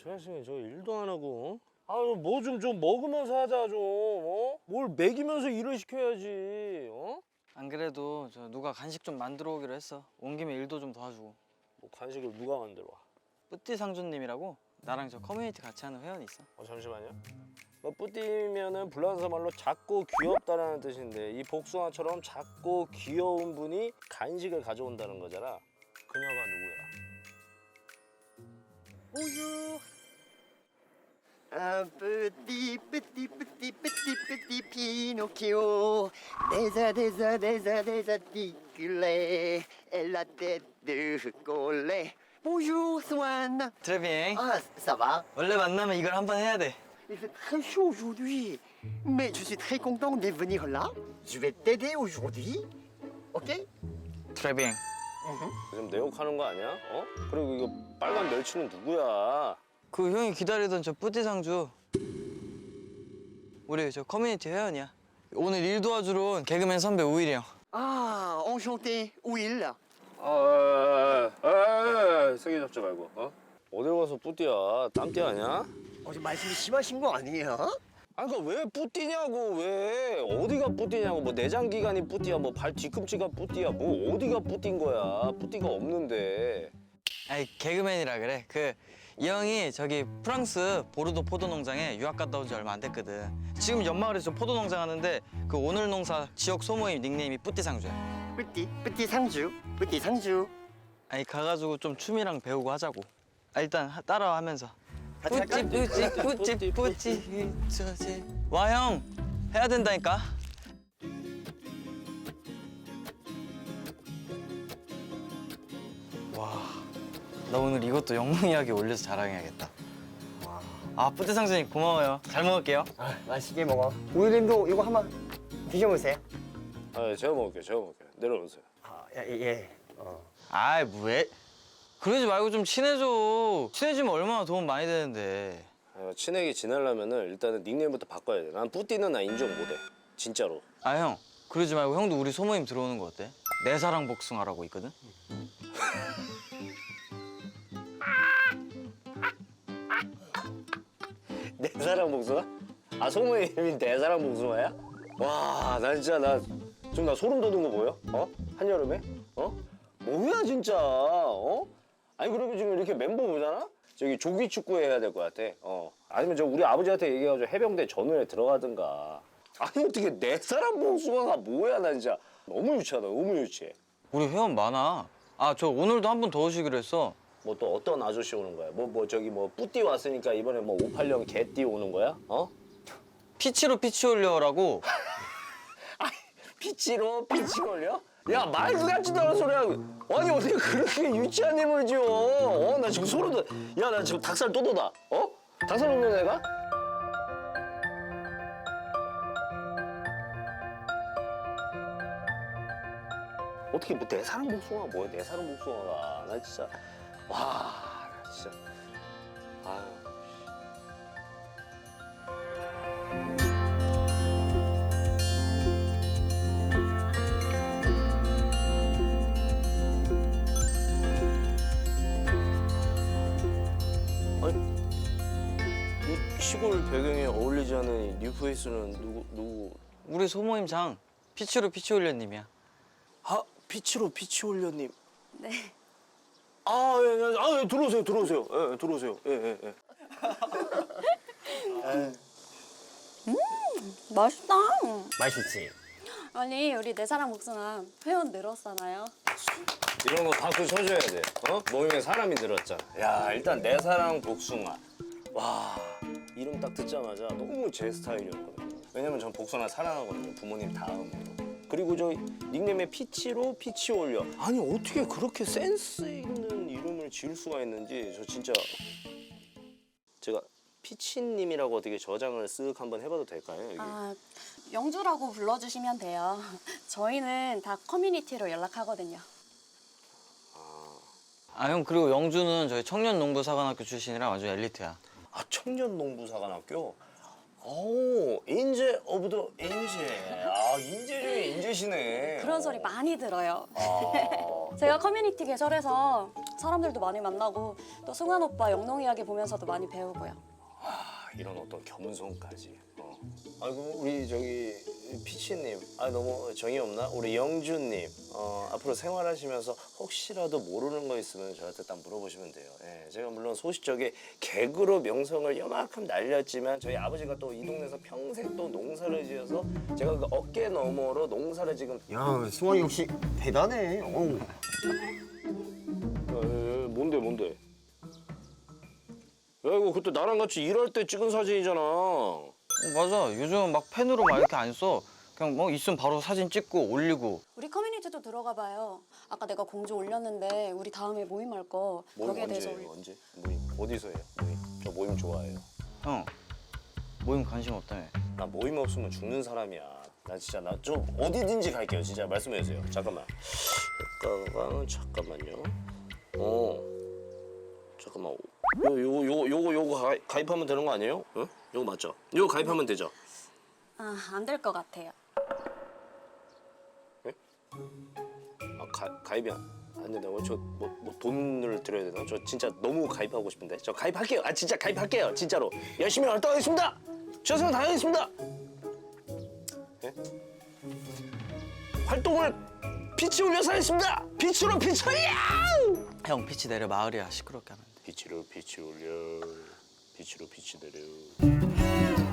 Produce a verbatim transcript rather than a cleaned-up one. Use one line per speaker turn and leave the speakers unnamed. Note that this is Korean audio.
자식이 저 일도 안 하고. 아유 뭐 좀 좀 먹으면서 하자 좀. 어? 뭘 먹이면서 일을 시켜야지. 어?
안 그래도 저 누가 간식 좀 만들어 오기로 했어. 온 김에 일도 좀 도와주고.
뭐 간식을 누가 만들어 와?
뿌띠 상주님이라고 나랑 저 커뮤니티 같이 하는 회원이 있어.
어 잠시만요. 뭐 뿌띠면은 불란서 말로 작고 귀엽다라는 뜻인데 이 복숭아처럼 작고 귀여운 분이 간식을 가져온다는 거잖아. 그녀가 누구야?
Bonjour. Un petit, petit, petit, petit, petit Pinocchio, déjà, déjà, déjà, désarticulé, et la tête de collet. Bonjour, Swan.
트래빙.
Ah, ça va?
원래 만나면 이걸 한번 해야 돼.
Il fait très chaud aujourd'hui, mais je suis très content de venir là. Je vais t'aider aujourd'hui, ok?
트래빙.
지금 내 욕하는 거 아니야? 어? 그리고 이거 빨간 멸치는 누구야?
그 형이 기다리던 저 뿌띠 상주. 우리 저 커뮤니티 회원이야. 오늘 일 도와주러 온 개그맨 선배 우일이 형.
Ah, enchanté, Will.
아, 아, 세게 잡지 말고. 어? 어딜 가서 뿌띠야? 땀띠 아니야?
어제 말씀이 심하신 거 아니에요?
아니 그러니까 왜 뿌띠냐고 왜? 어디가 뿌띠냐고. 뭐 내장 기관이 뿌띠야, 뭐 발 뒤꿈치가 뿌띠야, 뭐 어디가 뿌띠인 거야? 뿌띠가 없는데.
아니 개그맨이라 그래. 그 이 형이 저기 프랑스 보르도 포도 농장에 유학 갔다 온 지 얼마 안 됐거든. 지금 연마을에서 포도 농장 하는데 그 오늘 농사 지역 소모임 닉네임이 뿌띠 상주야.
뿌띠, 뿌띠 상주, 뿌띠 상주.
아니 가가지고 좀 춤이랑 배우고 하자고. 아, 일단 하- 따라와 하면서.
같이
뿌찌
할까?
뿌찌 뿌찌 뿌찌 저지. 와 형 해야 된다니까. 와 나 오늘 이것도 영롱이하게 올려서 자랑해야겠다. 아 뿌띠 상주님 고마워요. 잘 먹을게요.
아, 맛있게 먹어. 우유님도 이거 한번 드셔보세요.
아, 제가 먹을게요. 제가 먹을게요. 내려오세요.
아, 예, 예. 어.
아이 뭐해? 그러지 말고 좀 친해져. 친해지면 얼마나 도움 많이 되는데.
아, 친하게 지내려면은 일단은 닉네임부터 바꿔야 돼. 난 뿌띠는 나 인정 못해. 진짜로.
아 형 그러지 말고 형도 우리 소모임 들어오는 거 어때? 내 사랑 복숭아라고 있거든.
내 사랑 복숭아? 아 소모임이 내 사랑 복숭아야? 와, 나 진짜 나 지금 나 소름 돋은 거 보여? 어? 한여름에? 어? 뭐야 진짜? 어? 아니 그리고 지금 이렇게 멤버 보잖아? 저기 조기 축구 해야 될 것 같아. 어. 아니면 저 우리 아버지한테 얘기해가지고 해병대 전우에 들어가든가. 아니 어떻게 내 사랑 복숭아가 뭐야 나 진짜 너무 유치하다. 너무 유치해.
우리 회원 많아. 아 저 오늘도 한 분 더 오시기로 했어.
뭐 또 어떤 아저씨 오는 거야? 뭐 뭐 저기 뭐 뿌띠 왔으니까 이번에 뭐 오팔령 개띠 오는 거야? 어?
피치로 피치 올려라고.
피치로 피치 걸려? 야 말도 같지도 않은 소리야. 아니 어떻게 그렇게 유치한 힘을 지어? 어? 나 지금 소름 돋. 야 나 지금 닭살 또 돋아. 어? 닭살 돋는 애가? 어떻게 뭐 내 사랑 복숭아 뭐야? 내 사랑 복숭아가 나 진짜 와 나 진짜 아유. 이 시골 배경에 어울리지 않는 이 뉴페이스는 누구 누구?
우리 소모임 장 피치로 피치 올려님이야.
아 피치로 피치 올려님.
네.
아, 예, 예, 아, 예, 들어오세요, 들어오세요, 예, 예, 들어오세요, 예, 예, 예.
맛있다.
맛있지?
아니 우리 내 사랑 복숭아 회원 늘었잖아요.
이런 거 박수 쳐줘야 돼. 어? 모임에 사람이 늘었잖아. 야, 일단 내 사랑 복숭아. 와, 이름 딱 듣자마자 너무 제 스타일이었거든요. 왜냐면 전 복숭아 사랑하거든요. 부모님 다음으로. 그리고 저 닉네임에 피치로 피치 올려. 아니 어떻게 그렇게 센스 있는 이름을 지을 수가 있는지 저 진짜 제가 피치님이라고 어떻게 저장을 쓱 한번 해봐도 될까요? 여기?
아 영주라고 불러주시면 돼요. 저희는 다 커뮤니티로 연락하거든요.
아 형 그리고 영주는 저희 청년농부사관학교 출신이라 완전 엘리트야.
아 청년농부사관학교. 오 인재 오브 더 인재. 아 인재 중에 인재 계시네.
그런 소리 많이 들어요.
아,
제가 커뮤니티 개설해서 사람들도 많이 만나고 또 승환 오빠 영농 이야기 보면서도 많이 배우고요.
아, 이런 어떤 겸손까지. 어. 아이고 우리 저기 피치님, 아 너무 정이 없나? 우리 영준님, 어, 앞으로 생활하시면서 혹시라도 모르는 거 있으면 저한테 딱 물어보시면 돼요. 예, 제가 물론 소시적에 개그로 명성을 요만큼 날렸지만 저희 아버지가 또 이 동네에서 평생 또 농사를 지어서 제가 그 어깨 너머로 농사를 지금
야, 승환이 역시 대단해. 어우.
야, 야, 야, 뭔데 뭔데? 야 이거 그때 나랑 같이 일할 때 찍은 사진이잖아.
어, 맞아. 요즘 막 펜으로 막 이렇게 안 써. 그냥 뭐 있으면 바로 사진 찍고 올리고.
우리 커뮤니티도 들어가 봐요. 아까 내가 공지 올렸는데 우리 다음에 모임할 거
모임
거기에 대해서
언제예요?
올려.
언제? 모임 어디서 해요? 모임. 저 모임 좋아해요.
형, 모임 관심 없다며.
나 모임 없으면 죽는 사람이야. 나 진짜 나 좀 어디든지 갈게요. 진짜 말씀해 주세요. 잠깐만. 잠깐만 잠깐만요. 어. 잠깐만. 요 요거 요거 요거 요거 가입, 가입하면 되는 거 아니에요? 응? 요거 맞죠? 요거 가입하면 되죠?
아, 안 될 것 같아요.
아 가, 가입이 안, 안 된다고? 저뭐 뭐 돈을 드려야 되나? 저 진짜 너무 가입하고 싶은데. 저 가입할게요. 아 진짜 가입할게요. 진짜로. 열심히 활동하겠습니다. 최선을 다하겠습니다. 예? 활동을 빛이 올려서 하겠습니다. 빛으로 빛을 야!
형, 피치 내려 마을이야. 시끄럽게 하면 안 돼.
빛으로 빛이 올려. 빛으로 빛이 내려.